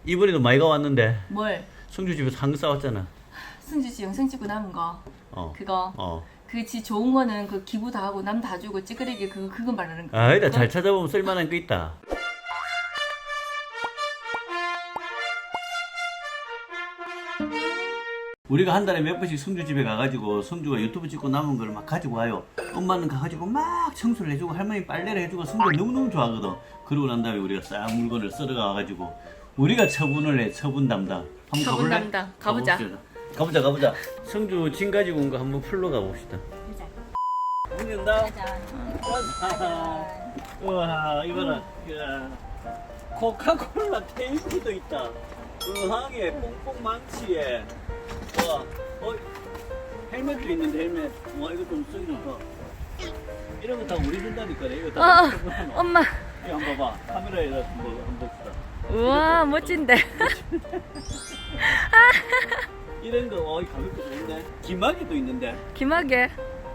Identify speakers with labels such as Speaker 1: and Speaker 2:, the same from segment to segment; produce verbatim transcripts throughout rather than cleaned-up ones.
Speaker 1: 이번에도 많이 가왔는데
Speaker 2: 뭘?
Speaker 1: 성주 집에서 한거 싸웠잖아.
Speaker 2: 승주 씨 영상 찍고 남은 거.
Speaker 1: 어.
Speaker 2: 그거.
Speaker 1: 어.
Speaker 2: 그 지 좋은 거는 그 기부 다 하고 남 다 주고 찌끄레기 그거 그거 말하는 거.
Speaker 1: 아니다, 잘 찾아보면 쓸만한 거 있다. 우리가 한 달에 몇 번씩 성주 집에 가가지고 성주가 유튜브 찍고 남은 걸 막 가지고 와요. 엄마는 가가지고 막 청소를 해주고 할머니 빨래를 해주고 성주가 너무너무 좋아하거든. 그러고 난 다음에 우리가 싹 물건을 썰어가가지고 우리가 처분을 해. 처분 담당. 한번
Speaker 2: 처분
Speaker 1: 가볼래?
Speaker 2: 담당. 가보자.
Speaker 1: 가봅시다. 가보자 가보자. 성주 짐 가지고 온 거 한번 풀러 가봅시다. 문 연다. 우와 이거는 이야. 코카콜라 테이프도 있다. 의항에 뽕뽕 망치에. 와, 어, 헬멧도 있는데 헬멧. 와 이거 좀 쓰기 좋다. 이런 거 다 우리 준다니까. 이거 다.
Speaker 2: 어, 엄마.
Speaker 1: 이거 한번 봐봐. 카메라에 뭐 한번 봅시다.
Speaker 2: 우와 멋진데.
Speaker 1: 이런 거, 어, 가볍게 좋은데. 기막이도 있는데.
Speaker 2: 김하게.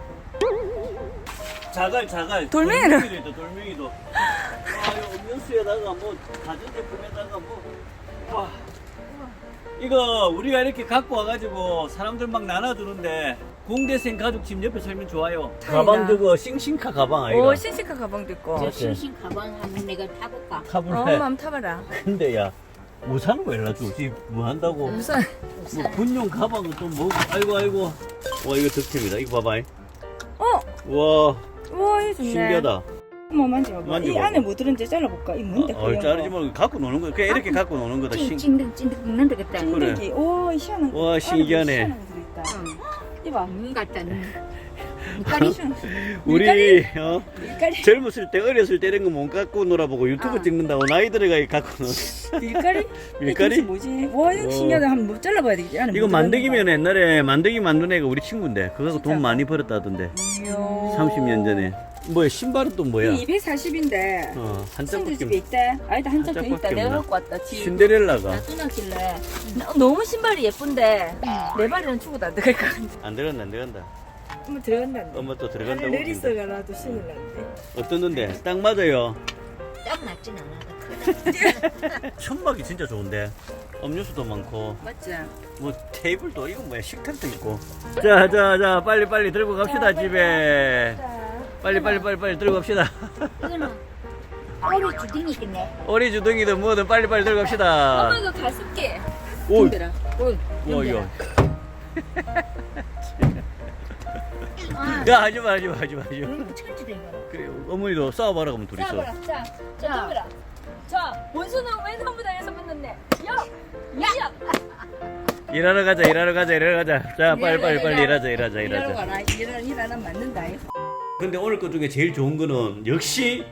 Speaker 1: 자갈, 자갈.
Speaker 2: 돌멩이는?
Speaker 1: 돌멩이도 있다, 돌멩이도. 와, 이거 음료수에다가 뭐, 가전제품에다가 뭐. 와. 이거 우리가 이렇게 갖고 와가지고 사람들 막 나눠주는데 공대생 가족 집 옆에 살면 좋아요. 가방 저거 싱싱카 가방 아이가?
Speaker 2: 오 신시카 가방도 있고.
Speaker 3: 저 싱싱 가방 한번 내가 타볼까?
Speaker 1: 타블레.
Speaker 2: 어, 엄마 한번 타봐라.
Speaker 1: 근데 야, 우산은 왜 놔주지? 뭐 한다고?
Speaker 2: 우선.
Speaker 1: 뭐 군용 가방은 또 뭐고? 아이고 아이고. 와 이거 득템이다. 이거 봐봐.
Speaker 2: 어,
Speaker 1: 와
Speaker 2: 우와 이 좋네.
Speaker 1: 신기하다.
Speaker 4: 한번 만져봐.
Speaker 1: 만져봐.
Speaker 4: 이 안에 뭐 들은지 잘라볼까? 이 뭔데?
Speaker 1: 어, 자르지 말고 갖고 노는 거야. 그냥 이렇게 갖고 노는 거다. 신.
Speaker 3: 찐득 찐득 먹는 되겠다.
Speaker 1: 그래.
Speaker 4: 기 오, 희한한.
Speaker 1: 와,
Speaker 4: 안에
Speaker 1: 신기하네.
Speaker 4: 뭐 희한한 거 들어있다.
Speaker 3: 응.
Speaker 4: 이봐.
Speaker 3: 눈 같다 눈.
Speaker 4: 밀가리.
Speaker 1: 우리 어?
Speaker 4: 밀가리.
Speaker 1: 젊었을 때 어렸을 때 이런 거 못 갖고 놀아보고 유튜브
Speaker 4: 아.
Speaker 1: 찍는다고 나이 들어가 갖고 놀.
Speaker 4: 밀가리?
Speaker 1: 밀가리?
Speaker 4: 이게 뭐지? 와, 이거
Speaker 1: 어.
Speaker 4: 신기하다. 한번 뭐 잘라봐야 되겠지. 안에
Speaker 1: 이거
Speaker 4: 뭐
Speaker 1: 만들기면 옛날에 만들기 만든 애가 우리 친구인데 그거
Speaker 4: 진짜?
Speaker 1: 돈 많이 벌었다던데.
Speaker 4: 이야.
Speaker 1: 삼십 년 전에. 뭐야 신발은 또 뭐야?
Speaker 4: 이 이백사십인데.
Speaker 1: 어, 한
Speaker 4: 손주
Speaker 1: 짝밖에
Speaker 4: 집에 있대. 아니다, 한 짝 더
Speaker 1: 짝밖에
Speaker 4: 있다.
Speaker 1: 없나?
Speaker 4: 내가 갖고 왔다. 지금.
Speaker 1: 신데렐라가
Speaker 2: 나 뚜낙질래. 너무 신발이 예쁜데 내 발에는 죽어도 안 들어갈 것 같아.
Speaker 1: 안 들어간다 안 들어간다.
Speaker 4: 한번 들어간다.
Speaker 1: 엄마 또 들어간다고.
Speaker 4: 발을 내리서가 나도 신을 났는데.
Speaker 1: 어떻는데? 딱 맞아요.
Speaker 3: 딱 낫진 않아.
Speaker 1: 천막이 진짜 좋은데. 음료수도 많고
Speaker 4: 맞지?
Speaker 1: 뭐 테이블도 이거 뭐야 식탁도 있고. 자자자 빨리 빨리 들고 갑시다 집에. 빨리 빨리 빨리 빨리 들고 갑시다.
Speaker 3: 이거는 오리 주둥이 있겠네.
Speaker 1: 오리 주둥이든 뭐든 빨리 빨리 들고 갑시다.
Speaker 2: 엄마 이거 가습기.
Speaker 1: 오,
Speaker 4: 힘들어. 오,
Speaker 1: 와 이거.
Speaker 3: 아,
Speaker 1: 야 하지마 하지마 하지마 하지마.
Speaker 3: 이거 천지도 이거.
Speaker 1: 그래 어머니도 싸워봐라 그러면 둘이서.
Speaker 2: 자, 자, 자, 자, 자, 원수는 왼손부 당해서 붙는데. 야, 야,
Speaker 1: 일하러 가자 일하러 가자 일하러 가자. 자 빨리 빨리 빨리 일하자 일하자
Speaker 4: 일하러
Speaker 1: 일하자.
Speaker 4: 가라. 일하는 일 하나 맞는다.
Speaker 1: 근데 오늘 것 중에 제일 좋은 거는 역시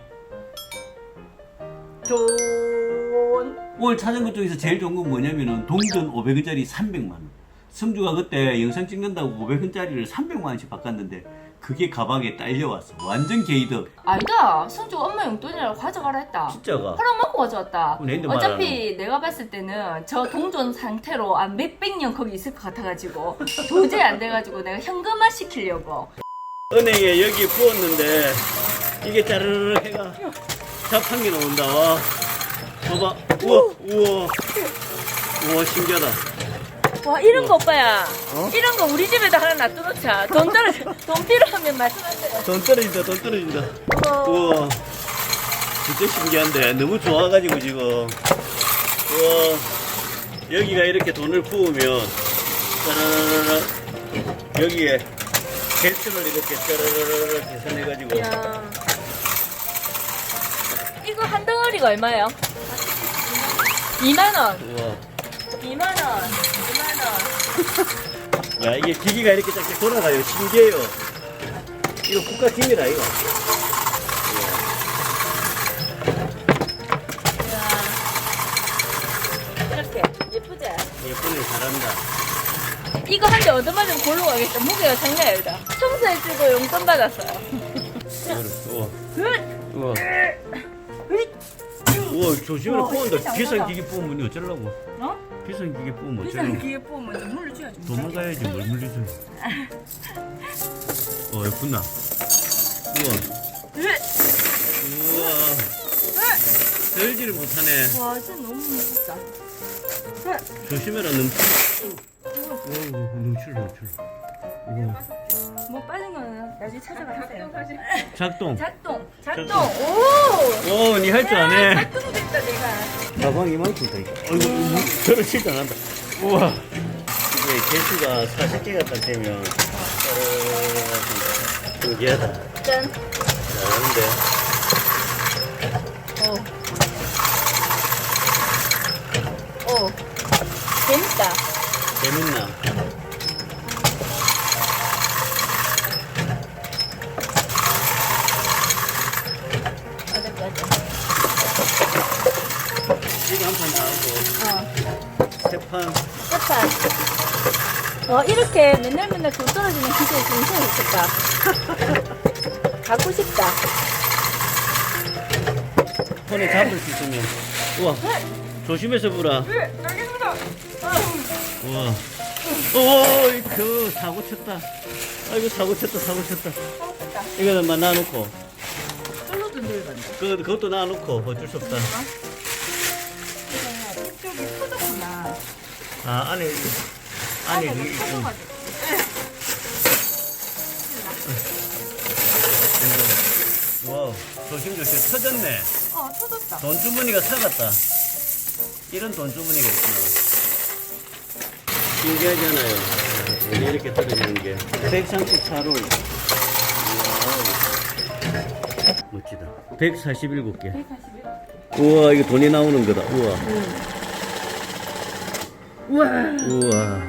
Speaker 1: 돈. 오늘 찾은 것 중에서 제일 좋은 건 뭐냐면은 동전 오백 원짜리 삼백만 원. 성주가 그때 영상 찍는다고 오백 원짜리를 삼백만 원씩 바꿨는데 그게 가방에 딸려왔어. 완전 개이득.
Speaker 2: 아니다. 성주 엄마 용돈이라고 가져가라 했다.
Speaker 1: 진짜가.
Speaker 2: 허락 먹고 가져왔다.
Speaker 1: 그럼 내인데
Speaker 2: 어차피 내가 봤을 때는 저 동전 상태로 한 몇백 년 거기 있을 것 같아가지고 도저히 안 돼가지고 내가 현금화 시키려고.
Speaker 1: 은행에 여기 부었는데 이게 짜르르 해가 자판기 나온다. 와. 봐봐. 우와 우와 우와 신기하다.
Speaker 2: 와 이런 거 오빠야.
Speaker 1: 어?
Speaker 2: 이런 거 우리 집에다 하나 놔두놓자. 돈 떨어 돈 필요하면 말씀하세요.
Speaker 1: 돈 떨어진다 돈 떨어진다.
Speaker 2: 우와.
Speaker 1: 우와 진짜 신기한데 너무 좋아가지고 지금. 우와 여기가 이렇게 돈을 부으면 짜라라라 여기에 개수를 이렇게 짜라라라 계산해가지고
Speaker 2: 이야. 이거 한 덩어리가 얼마예요? 이만 원.
Speaker 1: 우와
Speaker 2: 이만 원. 이만 원.
Speaker 1: 야 이게 기기가 이렇게 쫙쫙 돌아가요. 신기해요. 이거 국가 기밀아 이거.
Speaker 2: 이야. 이렇게 예쁘지?
Speaker 1: 예쁘네 잘한다.
Speaker 2: 이거 한 대 얻어맞으면 골로 가겠다. 무게가 장난 아니다. 청소해주고 용돈 받았어요.
Speaker 1: 우와 우와 우와 조심해라
Speaker 4: 와,
Speaker 1: 뽑은다.
Speaker 4: 진짜
Speaker 1: 비싼
Speaker 4: 장난아.
Speaker 1: 기기 뽑으면 어쩌려고.
Speaker 4: 어?
Speaker 1: 비싼 기계 뽑으면
Speaker 4: 비싼
Speaker 1: 어쩌려고.
Speaker 4: 기회 뽑으면 좀 물려줘야지.
Speaker 1: 도망가야지 뭘 물리지. 어 예쁘나. 우와 우와 들지를 못하네.
Speaker 2: 와, 진짜 너무 멋있다.
Speaker 1: 조심해라 넘치. 오 넘칠 넘칠. 오.
Speaker 2: 뭐 빠진 거는 나중에 찾아가 하세요.
Speaker 1: 작동.
Speaker 2: 작동, 작동.
Speaker 1: 작동.
Speaker 2: 오.
Speaker 1: 오, 니 할 줄 아네.
Speaker 2: 작동 됐다 내가.
Speaker 1: 가방 이만큼 다 있다. 어이구, 저를 진짜 난다. 우와. 이게 개수가 사십 개가 딱 되면, 어, 신기하다.
Speaker 2: 짠.
Speaker 1: 잘하는데.
Speaker 2: 오. 오. 재밌다.
Speaker 1: 재밌나?
Speaker 2: 어렵다, 어렵다.
Speaker 1: 이거 한 판 다 하고,
Speaker 2: 어.
Speaker 1: 세 판.
Speaker 2: 끝판. 어, 이렇게 맨날 맨날 돈 떨어지는 기계 있으면 좋겠다. 갖고 싶다.
Speaker 1: 손에 잡을 수 있으면. 우와. 조심해서 불아.
Speaker 2: 네, 알겠습니다.
Speaker 1: 우와. 오, 그 사고 쳤다. 아이고 사고 쳤다, 사고 쳤다. 이거는 막 놔놓고.
Speaker 2: 솔로도 늘간다.
Speaker 1: 그 그것도 놔놓고 어쩔 수 없다.
Speaker 2: 이쪽이 터졌구나.
Speaker 1: 아 안에 안에 그, 응.
Speaker 2: 터져가지고.
Speaker 1: 와 조심 조심 터졌네.
Speaker 2: 어, 터졌다.
Speaker 1: 돈 주머니가 사갔다. 이런 돈 주머니가 있구나. 신기하잖아요. 아, 원래 이렇게 떨어지는 게. 백삼십 차로. 멋지다. 백사십칠 개.
Speaker 2: 백사십일.
Speaker 1: 우와 이거 돈이 나오는 거다. 우와.
Speaker 2: 우와.
Speaker 1: 우와.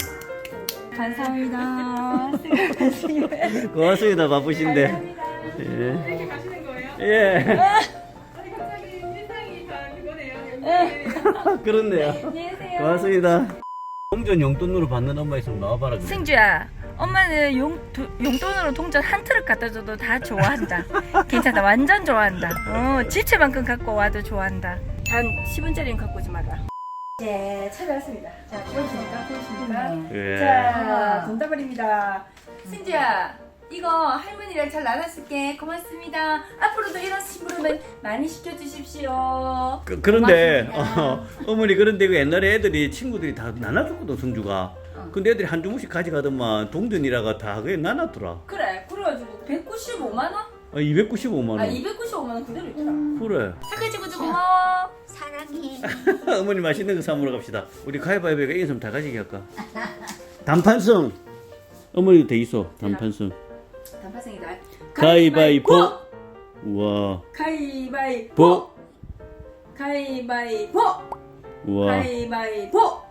Speaker 2: 감사합니다. 수고하셨습니다.
Speaker 1: 고맙습니다. 바쁘신데.
Speaker 2: 감사합니다.
Speaker 1: 예.
Speaker 4: 이렇게 가시는 거예요?
Speaker 1: 예.
Speaker 4: 아니 갑자기 인상이 다 그거네요.
Speaker 1: 그렇네요.
Speaker 2: 안녕히 계세요.
Speaker 1: 고맙습니다. 동전 용돈으로 받는 엄마 있으면 나와봐라. 그래.
Speaker 2: 승주야, 엄마는 용, 도, 용돈으로 동전 한 트럭 갖다 줘도 다 좋아한다. 괜찮다. 완전 좋아한다. 어, 지체만큼 갖고 와도 좋아한다. 단 십 원짜리는 갖고 오지 마라. 네, 찾아왔습니다. 자, 보이십니까? 보이십니까?
Speaker 1: 예.
Speaker 2: 자, 돈다발입니다. 승주야, 이거 할머니랑 잘 나눴을게. 고맙습니다. 앞으로도 이런 심부름은 많이 시켜주십시오.
Speaker 1: 그, 그런데
Speaker 2: 고맙습니다.
Speaker 1: 어, 어머니 그런데 그 옛날에 애들이 친구들이 다 나눠줬거든 성주가. 근데 애들이 한 주문씩 가져가더만 동전이라가 다 그게 나눴더라.
Speaker 2: 그래, 그래가지고 백구십오만 원?
Speaker 1: 아, 이백구십오만 원.
Speaker 2: 아, 이백구십오만 원 그대로 있더라.
Speaker 1: 그래.
Speaker 2: 착해지고 고마워.
Speaker 3: 사랑해.
Speaker 1: 어머니 맛있는 거 사 먹으러 갑시다. 우리 가위바위보가 이긴 사람 다 가지게 할까? 단판성. 어머니도 돼 있어. 단판성.
Speaker 2: 단파생이다.
Speaker 1: 가위바위보. 우와.
Speaker 2: 가위바위보. 가위바위보.
Speaker 1: 우와.
Speaker 2: 가위바위보.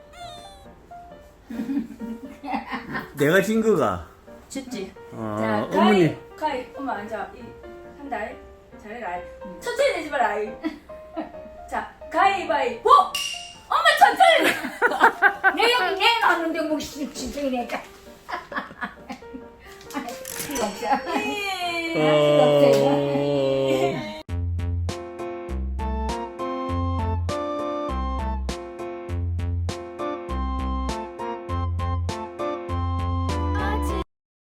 Speaker 1: 내가 진 거가.
Speaker 2: 졌지.
Speaker 1: 아,
Speaker 2: 자,
Speaker 1: 어머니.
Speaker 2: 가위, 가위. 엄마 앉아. 이 한다. 잘해라. 천천히 내지 마라. 자, 가위바위보. 엄마 천천히.
Speaker 3: 내 여기 내가 하는데 뭐 진짜 이래. 필요 없어.
Speaker 2: 예.
Speaker 3: 필요 없어.